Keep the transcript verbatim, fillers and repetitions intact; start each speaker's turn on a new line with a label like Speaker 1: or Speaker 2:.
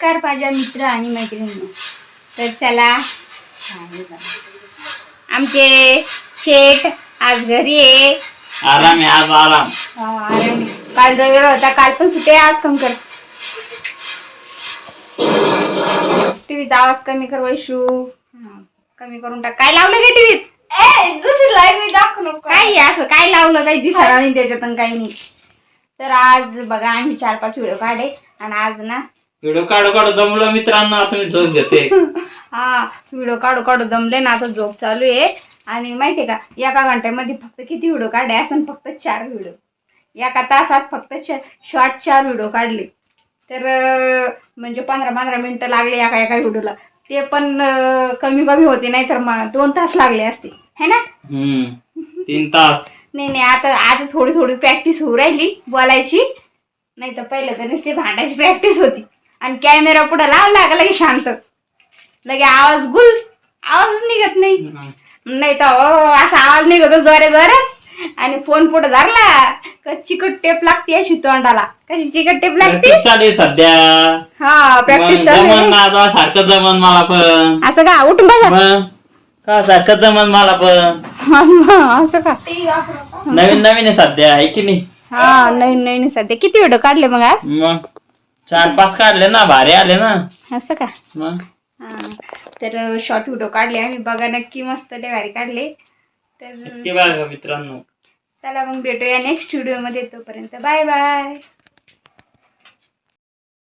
Speaker 1: नमस्कार माझ्या मित्र आणि मैत्रिणींनो. तर चला आमचे शेठ आज घरी आहे.
Speaker 2: आराम आहे आज आराम.
Speaker 1: हा आराम. काल रविवार होता, काल पण सुट्टी, आज कम कर. टीव्हीचा आवाज कमी कर वैशू. कमी करून टाक. काय लावलं का टीव्हीत? ए दुसरी लाईव्ह मी दाखव नको. काय असं काय लावलं, काही दिसणार नाही त्याच्यातून, काही नाही. तर आज बघा आम्ही चार पाच व्हिडिओ काढले आणि आज ना
Speaker 2: व्हिडिओ काढू काढू दमलो मित्रांनो. आता मी झोप घेते.
Speaker 1: हा व्हिडिओ काढू काढू दमले ना, आता झोप चालू आहे. आणि माहितीये का एका घंट्यामध्ये फक्त किती व्हिडिओ काढले असं? फक्त चार व्हिडिओ. एका तासात फक्त शॉर्ट चार व्हिडिओ काढले. तर म्हणजे पंधरा पंधरा मिनिटं लागले एका एका व्हिडिओला. ते पण कमी कमी होते, नाही तर मग दोन तास लागले असते है ना.
Speaker 2: तीन तास
Speaker 1: नाही नाही आता आता थोडी थोडी प्रॅक्टिस होऊ राहिली बोलायची. नाही तर पहिलं तर नुसती भांडायची प्रॅक्टिस होती. आणि कॅमेरा पुढे लावला का लगे शांत, लगे आवाज गुल, आवाज निघत नाही. नाही तर असा आवाज निघतो जोरे जोरात. आणि फोन पुढे धरला का चिकट टेप लागते अशी तोंडाला. कशी चिकट टेप लागते
Speaker 2: चालेल सध्या.
Speaker 1: हा प्रॅक्टिस
Speaker 2: जमन सारखं जमन मला पण.
Speaker 1: असं का उठून बसा
Speaker 2: का सारखं जमन मला पण.
Speaker 1: असं का
Speaker 2: नवीन नवीन आहे सध्या, आहे की नाही.
Speaker 1: हा नवीन नवीन सध्या. किती व्हिडिओ काढले मग आज?
Speaker 2: मग चार पाच काढले ना, भारी आले ना.
Speaker 1: असं का.
Speaker 2: मग
Speaker 1: हा तर शॉर्ट व्हिडिओ काढले आम्ही, बघा नक्की मस्त लय भारी काढले. तर
Speaker 2: बघा मित्रांनो,
Speaker 1: चला मग भेटूया नेक्स्ट व्हिडिओ मध्ये. तोपर्यंत बाय बाय.